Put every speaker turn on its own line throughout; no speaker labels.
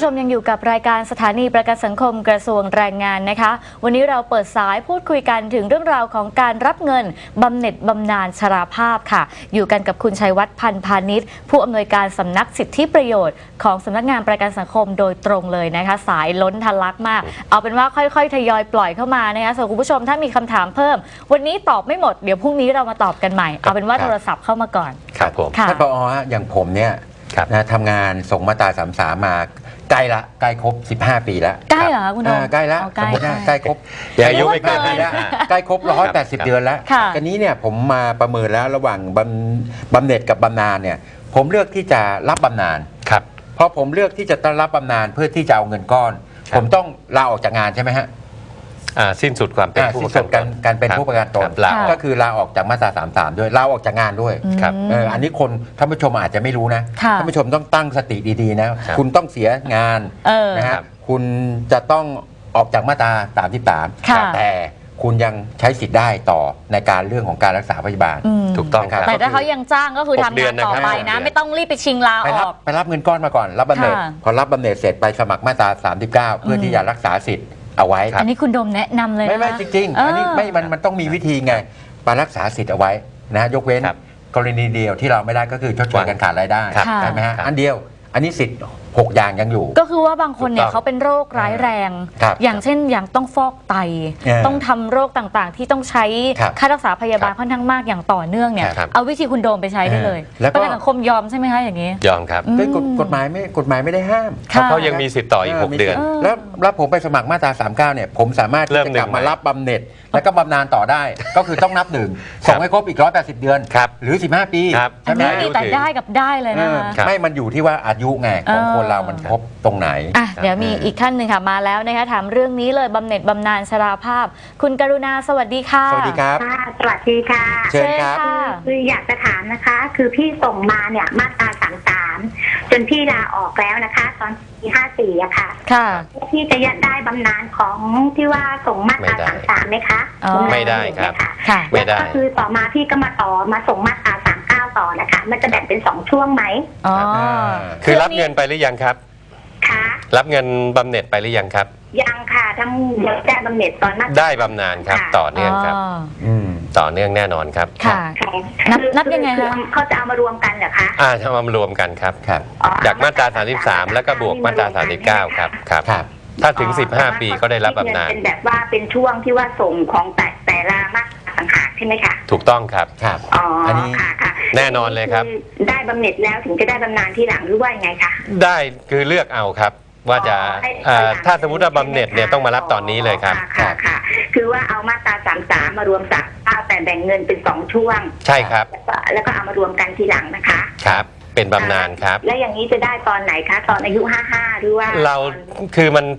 ชมยังอยู่กับรายการสถานีประกันสังคมกระทรวงแรงงานนะคะวันนี้เราเปิดสายพูดคุยกันถึงเรื่องราวของการรับเงินบำเหน็จบำนาญชราภาพค่ะอยู่กันกับคุณชัยวัฒน์พันธ์พาณิชย์ผู้อำนวยการสำนักสิทธิประโยชน์ของสำนักงานประกันสังคมโดยตรงเลยนะคะสายล้นทะลักมากเอาเป็นว่าค่อยๆทยอยปล่อยเข้ามานะคะส่วนคุณผู้ชมถ้ามีคำถามเพิ่มวันนี้ตอบไม่หมดเดี๋ยวพรุ่งนี้เรามาตอบกันใหม่เอาเป็นว่าโทรศัพท์เข้ามาก่อน
ครับผม
ท่
านผอ.อย่างผมเนี่ยนะทำงานส่งมาตรา33มาใกล้ครบ15 ปีแล้ว
ใกล้เหรอคุณโดม
ใกล้แล้วสมมติใกล้ครบ
อายุไม่เกิน
แล้วใกล้ครบ180 เดือนแล้วกันนี้เนี่ยผมมาประเมินแล้วระหว่างบำเหน็จกับบำนาญเนี่ยผมเลือกที่จะรับบำนาญ
ครับ
เพราะผมเลือกที่จะรับบำนาญเพื่อที่จะเอาเงินก้อนผมต้องลาออกจากงานใช่ไหมฮะ
สิ้นสุดความเป็นผู้ประกันตน
การเป็นผู้ประกันตนก็คือลาออกจากมาตรา33ด้วยลาออกจากงานด้วย
ครับ
อันนี้คนท่านผู้ชมอาจจะไม่รู้นะท่านผู้ชมต้องตั้งสติดีๆนะคุณต้องเสียงานนะฮะคุณจะต้องออกจากมาตรา33แต่คุณยังใช้สิทธิ์ได้ต่อในการเรื่องของการรักษาพยาบาล
ถูกต้องครับ
แต่ถ้าเขายังจ้างก็คือทำงานต่อไปนะไม่ต้องรีบไปชิงลาออก
ไปรับเงินก้อนมาก่อนรับบำเหน็จพอรับบำเหน็จเสร็จไปสมัครมาตรา39เพื่อที่จะรักษาสิทธิ์เอาไว้
อันนี้คุณโดมแนะนำเลย
ไม่จริงๆอันนี้มันต้องมีวิธีไงไปรักษาสิทธิ์เอาไว้นะยกเว้นกรณีเดียวที่เราไม่ได้ก็คือชดเชยการขาดรายได้ใช่ไหมฮะอันเดียวอันนี้สิทธิ์6 อย่างยังอยู่
ก็คือว่าบางคนเนี่ยเขาเป็นโรคร้ายแรงอย่างเช่นอย่างต้องฟอกไตต้องทำโรคต่างๆที่ต้องใช้ค่ารักษาพยาบาลค่อนข้างมากอย่างต่อเนื่องเนี่ยเอาวิธีคุณโดมไปใช้ได้เลยประกันสังคมยอมใช่ไหมคะอย่างนี้
ยอมครับ
กฎหมายไม่ได้ห้าม
เขายังมีสิทธิ์ต่ออีก6 เดือน
แล้วผมไปสมัครมาตรา39เนี่ยผมสามารถที่จะกลับมารับบำเหน็จแล้วก็บำนาญต่อได้ก็คือต้องนับ1ส่งให้ครบอีก180 เดือนหรือ15 ปี
ใช่ไหมแต่ได้กับได้เลยนะคะ
ไม่มันอยู่ที่ว่าอายุไงของคนเรามันครบตรงไหน
เดี๋ยวมีอีกท่านหนึ่งค่ะมาแล้วนะคะถามเรื่องนี้เลยบำเหน็จบำนาญชราภาพคุณกรุณาสวัสดีค่ะ
สวัสดีครับ
สวัสดีค่ะ
เชิญครับ
คืออยากจะถามนะคะคือพี่ส่งมาเนี่ยมาตรา33จนพี่ลาออกแล้วนะคะตอนปี54อะค่ะพี่จะยัดได้บำนาญของที่ว่าส่งมาตรา33ไหมคะ
ไม่ได้ครับ
ไม่ได้ก็คือต่อมาพี่ก็มาส่งมาตรา39ต่อนะคะมันจะแบ่งเป็น2ช่วงไหม
คือรับเงินไปหรือยังครับรับเงินบำเหน็จไปหรือยังครับ
ยังค่ะทั้งได้บำเหน็จตอนนั้น
ได้บำนาญครับต่อเนื่องครับต่อเนื่องแน่นอนครับ
ค่ะนับยังไงคะ
เขาจะเอามารวมกันเหรอคะ
จะเอามารวมกันครับจากมาตรา33แล้วก็บวกมาตรา39ครับถ้าถึง15 ปีก็ได้รับบำนาญ
เป็นแบบว่าเป็นช่วงที่ว่าส่งของแต่ละมาตราต่างหากใช่ไหมคะ
ถูกต้องครับ
อันนี้ค่ะ
แน่นอนเลยครับ
ได้บำเหน็จแล้วถึงจะได้บำนาญที่หลังหรือว่าไงคะ
ได้คือเลือกเอาครับว่าจะถ้าสมมติว่าบำเหน็จเนี่ยต้องมารับตอนนี้เลยครับ
ค่ะคือว่าเอามาตรา33มารวม39แต่แบ่งเงินเป็น2ช่วง
ใช่ครับ
แล้วก็เอามารวมกันทีหลังนะคะ
ครับเป็นบำนาญครับ
และอย่างนี้จะได้ตอนไหนคะตอนอายุ55หรือว่า
เราคือมัน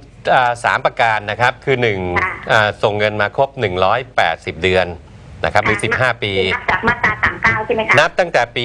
3 ประการนะครับคือ1ส่งเงินมาครบ180 เดือนนะครับหรือ15 ปี
นับจากมาตรา39ใช่ไหมคะ
นับตั้งแต่ปี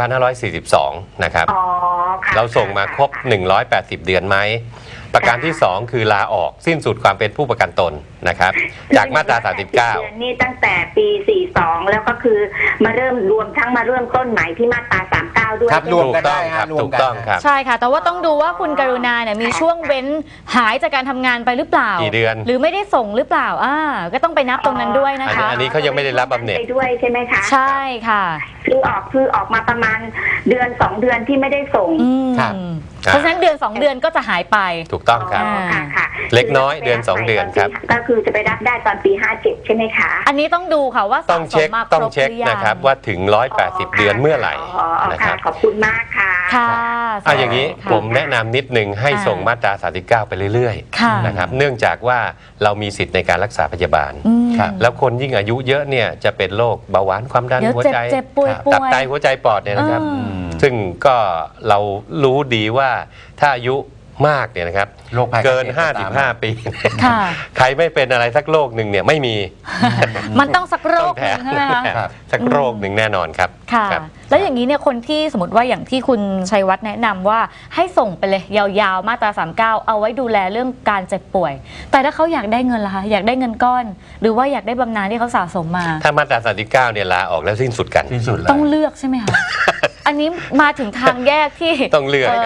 2542นะครับเราส่งมาครบ180 เดือนไหมประการที่2คือลาออกสิ้นสุดความเป็นผู้ประกันตนนะครับจากมาตรา39
นี่ตั้งแต่ปี42แล้วก็คือมาเริ่มต้นใหม่ที่มาตรา39ด้วย
รวมกันได้ครับ
ถูกต้องครับ
ใช่ค่ะแต่ว่าต้องดูว่าคุณกรุณาเนี่ยมีช่วงเว้นหายจากการทำงานไปหรือเปล่า
กี่เดือน
หรือไม่ได้ส่งหรือเปล่าก็ต้องไปนับตรงนั้นด้วยนะคะ
อันนี้เขายังไม่ได้รับบำเหน็จ
ด้วยใช่ไหมคะ
ใช่ค่ะ
คือออกมาประมาณเดือน2 เดือนที่ไม่ได้ส่ง
เพราะฉะนั้นเดือน2 เดือนก็จะหายไป
ถูกต้องครับเล็กน้อยเดือน2 เดือนครับ
ก็คือจะไปรับได้ตอนปี57ใช่ไหมคะ
อันนี้ต้องดูค่ะว่า
ต้องเช็คนะครับว่าถึง180 เดือนเมื่อไหร่นะครับ
ขอบคุณมากค่ะ
อย่างนี้ผมแนะนำนิดนึงให้ส่งมาตรา39ไปเรื่อยๆนะครับเนื่องจากว่าเรามีสิทธิ์ในการรักษาพยาบาลแล้วคนยิ่งอายุเยอะเนี่ยจะเป็นโรคเบาหวานความดันหัวใจตับไตหัวใจปอดเนี่ยนะครับซึ่งก็เรารู้ดีว่าถ้าอายุมากเนี่ยนะครับเกิน55 ปีใครไม่เป็นอะไรสักโรคหนึ่งเนี่ยไม่มี
มันต้องสักโรคนึงใช่ไหมคะ
สักโรคหนึ่งแน่นอนครับ
ค่ะแล้วอย่างนี้เนี่ยคนที่สมมติว่าอย่างที่คุณชัยวัฒน์แนะนำว่าให้ส่งไปเลยยาวๆมาตรา39เอาไว้ดูแลเรื่องการเจ็บป่วยแต่ถ้าเขาอยากได้เงินล่ะคะอยากได้เงินก้อนหรือว่าอยากได้บำนาญที่เขาสะสมมา
ถ้ามาตรา39เนี่ยลาออกแล้วสิ้นสุดกัน
ต้องเลือกใช่ไหมคะอันนี้มาถึงทางแยกที่
ต้องเลือก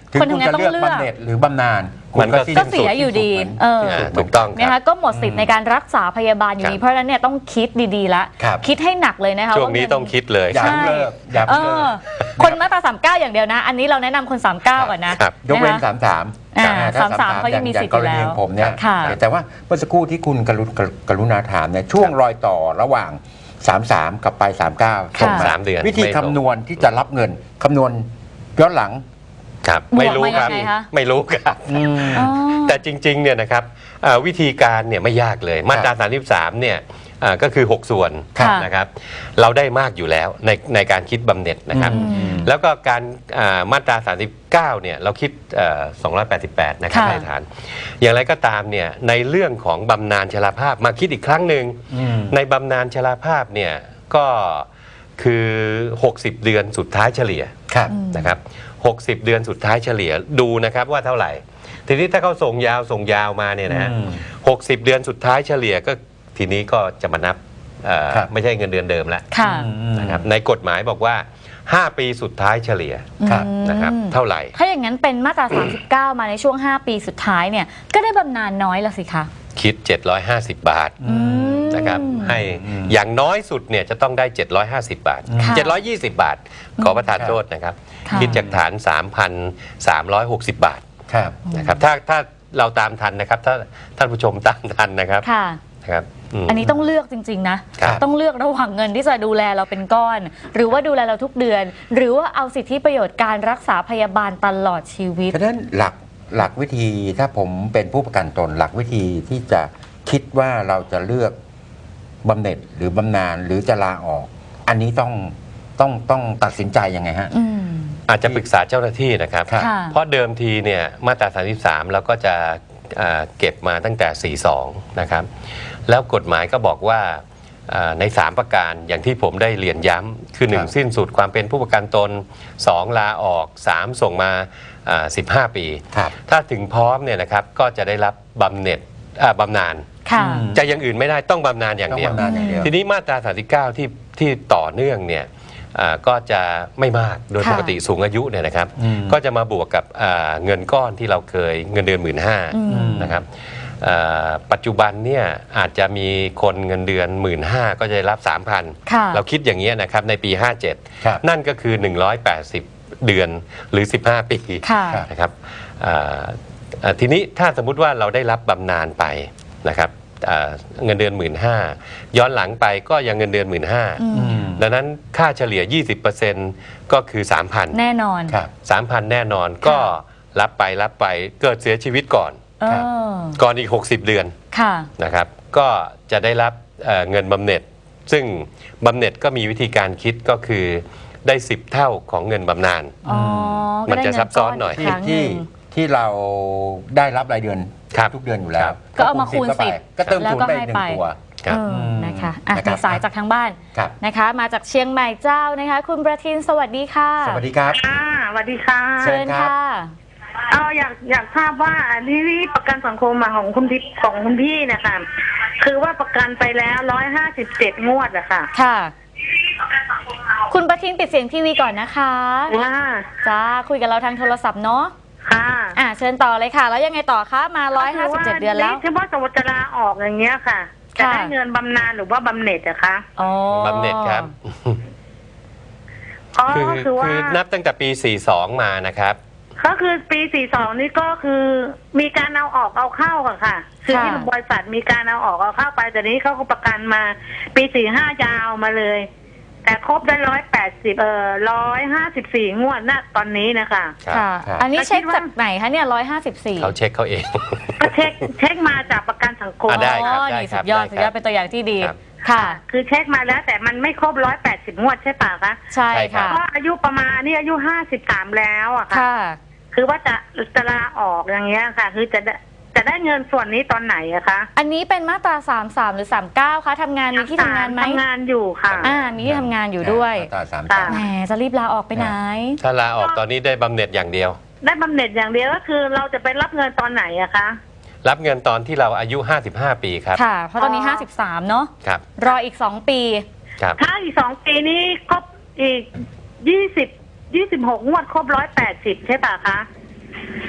ถึง
คน
คุณ
ทำงาน
จะ
ต้อง
เลือก
เลือก
บำเหน็จหรือบำนาญคุณ
มันก็
สิ้น
ก็เสียอยู่ดี
ถูกต้องค
นะ
รั
คะ
บ
ก็หมดสิทธิ์ในการรักษาพยาบาลอยู่
ครั
ดี
บ
เพราะฉะนั้นเนี่ยต้องคิดดีๆละ
ครับ
คิดให้หนักเลยนะคะ
ช่วงนี้
าเ
ต้องคิดเลย
อย่าเพิ่งเลิกอย่า
เอ
เพิ่งเลิ
อก คนมาตรา39อย่างเดียวนะ อันนี้เราแนะนำคน39ก่อนนะครับ
ยกเว้น
นะคะ
33
อ่า
ถ้
33เขายังมีสิทธิ์
กรณี
อยู่แล้ว
ของผมเนี่ย
ค่ะ
แต่ว่าเมื่อสักครู่ที่คุณกรุณาถามเนี่ยช่วงรอยต่อระหว่าง 33 กับไป 39 ส่งมา
3 เดือน
วิธี
ไม่ตรง
คำนวณที่จะรับเงินคำนวณย้อนหลัง
ครับ
บวก
ไม่รู้ครับ
มายังไงคะ
ไม่รู้ครับ
อ๋อ
แต่จริงๆเนี่ยนะครับวิธีการเนี่ยไม่ยากเลยมาตรา 33 เนี่ยก็คือ 6 ส่วน
ค่ะ
นะครับเราได้มากอยู่แล้วในการคิดบำเหน็จนะครับ
อืม
แล้วก็การมาตรา 39 เนี่ยเราคิด288 นะครับ
ค่ะ
ในฐาน อย่างไรก็ตามเนี่ยในเรื่องของบำนาญชราภาพมาคิดอีกครั้งหนึ่งในบำนาญชราภาพเนี่ยก็คือ 60 เดือนสุดท้ายเฉลี่ย
ครับ
นะครับ60 เดือนสุดท้ายเฉลี่ยดูนะครับว่าเท่าไหร่ ทีนี้ถ้าเขาส่งยาวมาเนี่ยนะ60 เดือนสุดท้ายเฉลี่ยก็ทีนี้ก็จะมานับ
ครับ
ไม่ใช่เงินเดือนเดิมแล้ว
ค่ะ
นะครับในกฎหมายบอกว่า 5 ปีสุดท้ายเฉลี่ย
ครับ
นะครับเท่าไหร่
ถ้าอย่างนั้นเป็นมาตรา 39 มาในช่วง 5 ปีสุดท้ายเนี่ยก็ได้บำนาญน้อยละสิคะ
คิด 750 บาท
อืม
นะครับให้อย่างน้อยสุดเนี่ยจะต้องได้ 750 บาท
ค่ะ
720 บาท ขอประทานโทษนะครับ
ค่ะ
คิดจากฐาน 3,360 บาท
ครับ
นะครับถ้าเราตามทันนะครับถ้าท่านผู้ชมตามทันนะครับ
ค่ะ
นะครับม
อันนี้ต้องเลือกจริงๆนะครับ ต้องเลือกระหว่างเงินที่จะดูแลเราเป็นก้อน หรือว่าดูแลเราทุกเดือน หรือว่าเอาสิทธิประโยชน์การรักษาพยาบาลตลอดชีวิต
ฉะนั้นหลักวิธีถ้าผมเป็นผู้ประกันตนหลักวิธีที่จะคิดว่าเราจะเลือกบำเหน็จหรือบำนาญหรือจะลาออก อันนี้ต้องตัดสินใจยังไงฮะ
อืม
อาจจะปรึกษาเจ้าหน้าที่นะครับ
ครับ
ค่ะ
เพราะเดิมทีเนี่ยมาตรา 33 เราก็จะเก็บมาตั้งแต่ 42 นะครับ แล้วกฎหมายก็บอกว่าใน 3 ประการอย่างที่ผมได้เรียนย้ำคือ
ครับ
1 สิ้นสุดความเป็นผู้ประกันตน 2 ลาออก 3 ส่งมา15 ปี
ครับ
ถ้าถึงพร้อมเนี่ยนะครับก็จะได้รับบำเหน็จบำนาญ
ค่ะ
จะอย่างอื่นไม่ได้ต้องบำนาญอย่าง
ต้อง
เดียว
บำนาญอย่างเดียว
ทีนี้มาตรา 39 ที่ต่อเนื่องเนี่ยก็จะไม่มากโดย
ค่ะ
ปกติสูงอายุเนี่ยนะครับ
อืม
ก็จะมาบวกกับเงินก้อนที่เราเคยเงินเดือน
อืม
15,000นะครับปัจจุบันเนี่ยอาจจะมีคนเงินเดือน 15,000 ก็จะได้รับ 3,000
ค่ะ
เราคิดอย่างนี้ยนะครับในปี
ครับ
57 นั่นก็คือ 180 เดือนหรือ 15 ปี
ค่ะ
นะครับทีนี้ถ้าสมมุติว่าเราได้รับบำนาญไปนะครับเงินเดือน 15,000 ย้อนหลังไปก็ยังเงินเดือน 15,000 ดังนั้นค่าเฉลี่ย 20%ก็คือ 3,000
แน่นอน
ครับ
3,000 แน่นอนก็รับไปเกิดเสียชีวิตก่อน
เอ
ครับ
อ
ก่อนอีก 60 เดือน
ค่ะ
นะครับก็จะได้รับเงินบำเหน็จ ซึ่งบำเหน็จก็มีวิธีการคิดก็คือได้ 10 เท่าของเงินบำนาญ
อ๋อ
มันจะซับซ้อนหน่อย
ก็ได้เงิก้กครั้งห
ที่
นึ่ง
ที่เราได้รับรายเดือน
ครับ
ทุกเดือนอยู่แล้
ครั
ว
บ
ก็เอามาคูณ
เข้ไป
10
ก็เติม
แล้ว
คูณ
ก็
ได้
ให้
หนึ่
ไป
งตัว
ครับ
นะคะอ่ะ
นะครับ
มีสายจากทางบ้าน
ครับ
นะคะ มาจากเชียงใหม่เจ้านะคะ คุณประทินสวัสดีค่ะ
สวัสดีครับ
ค่ะสวัสดีค่ะ
เชิญค่ะ
อยากทราบว่าที่ประกันสังคมของคุณพี่นะคะคือว่าประกันไปแล้ว157 งวดอะค่ะ
ค่ะ คุณประทินปิดเสียงทีวีก่อนนะคะ
ว่า
จ้าคุยกับเราทางโทรศัพท์เนาะ
ค่ะ
เชิญต่อเลยค่ะ แล้วยังไงต่อคะมา157 เดือนแล้ว
ที่ว่าสมมติจะลาออกอย่างเงี้ยค่ะ จะ
ค่ะ
ได้เงินบำนาญหรือว่าบำเหน็จอะคะ
อ๋อบ
ำเหน็จครับ
อ๋อ
คือ
ก็คือว่า
คือนับตั้งแต่ปี 42 มานะครับ
ก็คือปี 42 นี่ก็คือมีการเอาออกเอาเข้าค่ะ คือที่บริษัทมีการเอาออกเอาเข้าไปแต่นี้เขาก็ประกันมาปี 45 ยาวมาเลย แต่ครบได้154 งวดณตอนนี้นะคะ
ค่ะ
ครับ
อันนี้เช็ค
คิดว่า
จากไหนคะเนี่ย154
เขาเช็คเขาเอง
ก็เช็คมาจากประกันสังคม
ได้ครับ
นี่
ครั
สุ
บ
ดยอด
ได้ครับ
สุดยอดเป็นตัวอย่างที่ดี
ครับ
ค่ะ
คือเช็คมาแล้วแต่มันไม่ครบ180 งวดใช่ป่ะคะ
ใช่
ใช่ครั
ค่ะ
บ
เพราะอายุประมาณนี่อายุ53แล้วอะค่ะ
ค่ะ
คือว่าจะลาออกอย่างเงี้ยค่ะ คือจะได้เงินส่วนนี้ตอนไหนอะคะ
อันนี้เป็นมาตรา33หรือ39คะทำงานมีที่ทำงานไหม
ทำงานอยู่ค่ะ
มีที่ทำงานอยู่ด้วย
มาตราสาม
ค่ะ
สาม
แหมจะรีบลาออกไปไหน
ถ้าลาออกตอนนี้ได้บำเหน็จอย่างเดียว
ได้บำเหน็จอย่างเดียวก็คือเราจะไปรับเงินตอนไหนอะคะ
รับเงินตอนที่เราอายุ 55 ปีครับ
ค่ะ เพราะตอนนี้ 53 เนาะ
ครับ
รออีก 2 ปี
ครับ
ถ้าอีก2 ปีนี้ครบอีก26 งวดครบ180ใช่ป่ะคะ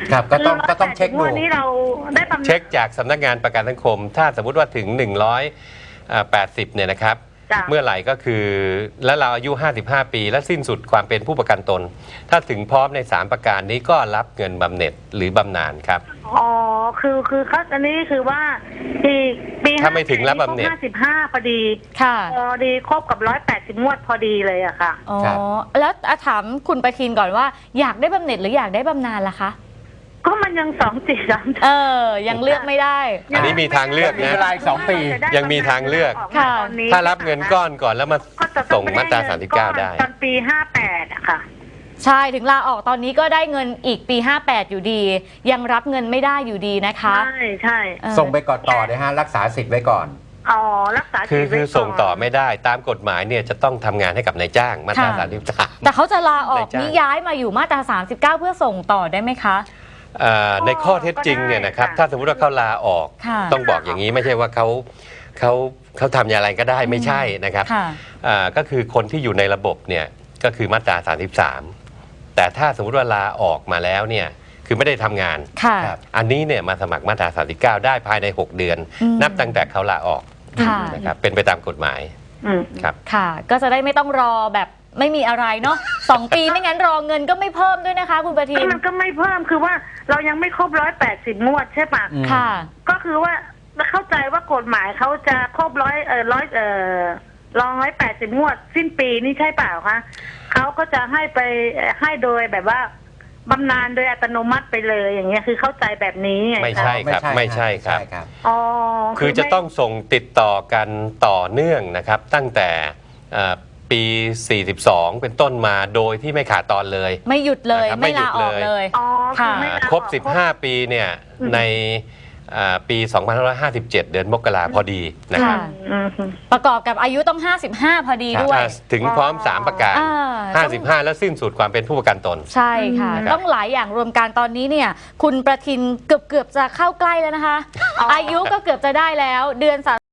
ครับก็ต้องเช็คดู
วันนี้เราได้บำนาญ
เช็คจากสำนักงานประกันสังคม ถ้าสมมุติว่าถึง 180เนี่ยนะครับ
จ้ะ
เมื่อไหร่ก็คือแล้วเราอายุ 55 ปี และสิ้นสุดความเป็นผู้ประกันตน ถ้าถึงพร้อมใน 3 ประการนี้ก็รับเงินบำเหน็จหรือบำนาญครับ
อ๋อคือเขาอันนี้คือว่าปี
ถ้าไม่ถึงรับบำเหน็จ
55พอดี
ค่ะ
พอดีครบกับ180งวดพอดีเลยอะค่ะ
อ๋อ
ครับ
แล้วถามคุณประทินก่อนว่าอยากได้บำเหน็จหรืออยากได้บำนาญล่ะคะ
ก็มันยัง2 4 3
ยังเลือกไม่ได้
อันนี้มีทางเลือก
มี
นะ
เวลาอีก2 ปี
ยังมีทางเลือก
ค่ะ
ถ้ารับเงินก้อนก่อนแล้วมา
ก็จะ
ส่งมาตรา 39 ได้
ตอนปี58อะค่ะ
ใช่ถึงลาออกตอนนี้ก็ได้เงินอีกปี 58 อยู่ดี ยังรับเงินไม่ได้อยู่ดีนะคะ
ใช่
ส่งไปก่อนต่อนะฮะรักษาสิทธิ์ไว้ก่อน
อ๋อรักษา
คือ
ชีวิต
ส่งต่อไม่ได้ตามกฎหมายเนี่ยจะต้องทำงานให้กับนายจ้างมาตรา
ค่ะ
33
แต่เขาจะลาออก
นายจ้าง
นี่ย้ายมาอยู่มาตรา 39 เพื่อส่งต่อได้ไหมคะ
ในข้อเท็จจริงเนี่ยนะครับถ้าสมมติว่าเขาลาออก
ค่ะ
ต้องบอกอย่างนี้ไม่ใช่ว่าเขาทำอย่างไรก็ได้ไม่ใช่นะครับ
ค่ะ
ก็คือคนที่อยู่ในระบบเนี่ยก็คือมาตรา 33 แต่ถ้าสมมติว่าลาออกมาแล้วเนี่ยคือไม่ได้ทำงาน
ค่ะ
ครับ
อันนี้เนี่ยมาสมัครมาตรา 39 ได้ภายใน 6 เดือน
อืม
นับตั้งแต่เขาลาออก
ค่ะ
นะครับเป็นไปตามกฎหมาย
อืม
ครับ
ค่ะ ก็จะได้ไม่ต้องรอแบบไม่มีอะไรเนาะ 2 ปีไม่งั้นรอเงินก็ไม่เพิ่มด้วยนะคะ คุณประทิน
มันก็ไม่เพิ่มคือว่าเรายังไม่ครบ180งวดใช่ปะ
อืม
ค่ะ
ก็คือว่าเข้าใจว่ากฎหมายเขาจะครบ180งวด สิ้นปีนี่ใช่เปล่าคะเขาก็จะให้ไปให้โดยแบบว่าบำนาญโดยอัตโนมัติไปเลยอย่างเงี้ยคือเข้าใจแบบนี้ไง
ไม่ใช่ ครับไม่ใช่ครับ
อ๋อ
คือจะต้องส่งติดต่อกันต่อเนื่องนะครับ ตั้งแต่ปี 42 เป็นต้นมาโดยที่ไม่ขาดตอนเลย
ไม่หยุดเลย
นะครับ
ไม่ลาออก
ไม่หยุดเลย
เลย
อ๋อคือไม่ลาออก
ครบ 15 ปีเนี่ย
อืม
ในปี 2557 เดือนมกราพอดีนะครับ
ค่ะ
อืม
ประกอบกับอายุต้อง 55 พอดีด้วย
ถึงพร้อม 3 ประการ 55 แล้วสิ้นสุดความเป็นผู้ประกันตน
ใช่ค่ะ
ครับ
ต้องหลายอย่างรวมกันตอนนี้เนี่ยคุณประทินเกือบจะเข้าใกล้แล้วนะคะ อายุก็เกือบจะได้แล้วเดือน